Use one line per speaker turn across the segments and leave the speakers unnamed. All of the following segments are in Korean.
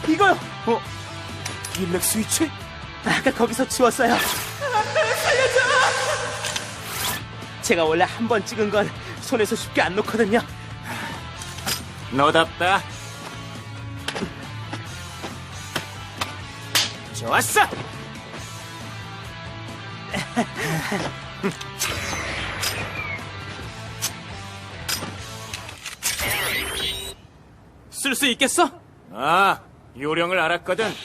이거요.
일렉 스위치?
아까 거기서 지웠어요. 살려줘! 제가 원래 한 번 찍은 건 손에서 쉽게 안 놓거든요.
너답다. 좋았어.
쓸 수 있겠어?
아, 요령을 알았거든.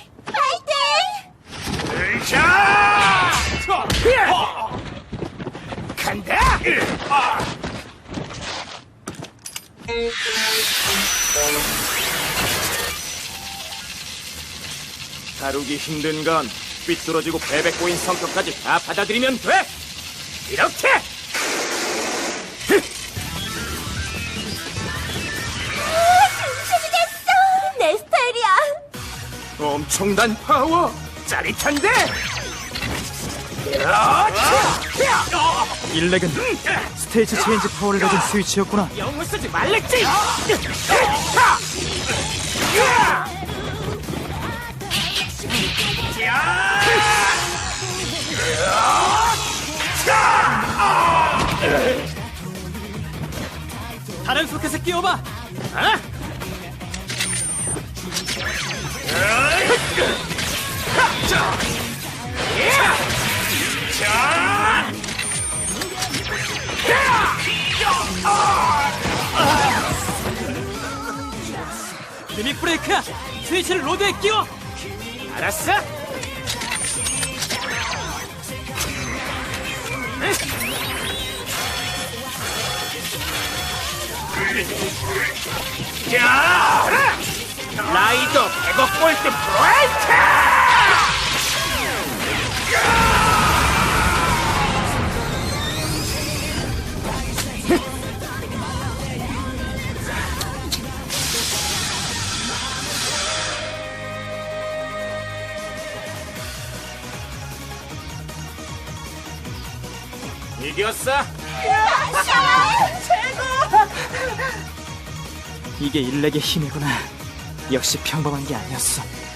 자!
간다. 다루기 힘든 건 삐뚤어지고 베베 꼬인 성격까지 다 받아들이면 돼. 이렇게.
내 스타일이야.
엄청난 파워. 짜릿한데.
일렉은 스테이지 체인지 파워를 가진 스위치였구나.
영을 쓰지 말랬지.
다른 소켓에 끼워봐. 리믹 브레이크야. 스위치를 로드에 끼워.
알았어. 라이더 100억 볼트 브레이크! 이겼어.
이게 일렉의 힘이구나. 역시 평범한 게 아니었어.